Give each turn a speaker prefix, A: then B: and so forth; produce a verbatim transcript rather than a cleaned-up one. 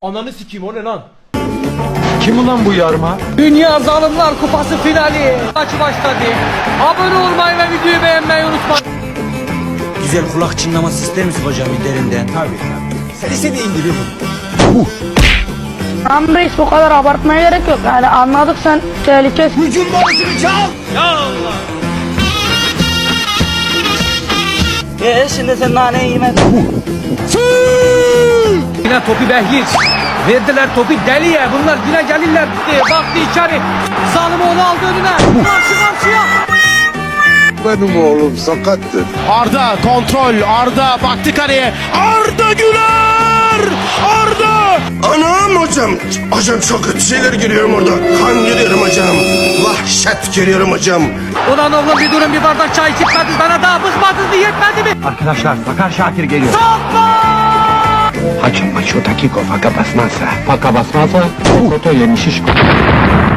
A: Ananı sikeyim, o ne lan?
B: Kim ulan bu yarma?
C: Dünya Zalimler Kupası finali maçı başladı. Abone olmayı ve videoyu beğenmeyi unutmayın.
D: Güzel kulak çınlaması ister misin hocam derinden?
B: Tabii. Sen istediğin gibi bu.
E: Tamam reis, bu kadar abartmaya gerek yok. Yani anladık, sen tehlikelisin.
B: Hücum bonusunu çal.
D: Eee şimdi sen naneyi yemedin.
C: Yine topu Behiç. Verdiler topu Deli'ye. Bunlar yine gelirler. Baktı içeri. Zalimoğlu aldı önüne. Karşı karşıya.
F: Benim oğlum sakattır.
A: Arda kontrol, Arda baktı kaleye. Arda Güler! Arda!
F: Anam hocam. Hocam çok kötü şeyler görüyorum orada. Kan görüyorum hocam. Vahşet görüyorum hocam.
C: Ulan oğlum bir durun, bir bardak çay içmediniz. Bana daha bızmadınız mı, yetmedi mi?
B: Arkadaşlar Sakar Şakir geliyor. Hacım maço takiko faka basmazsa. Faka basmazsa. Koto yemişiş.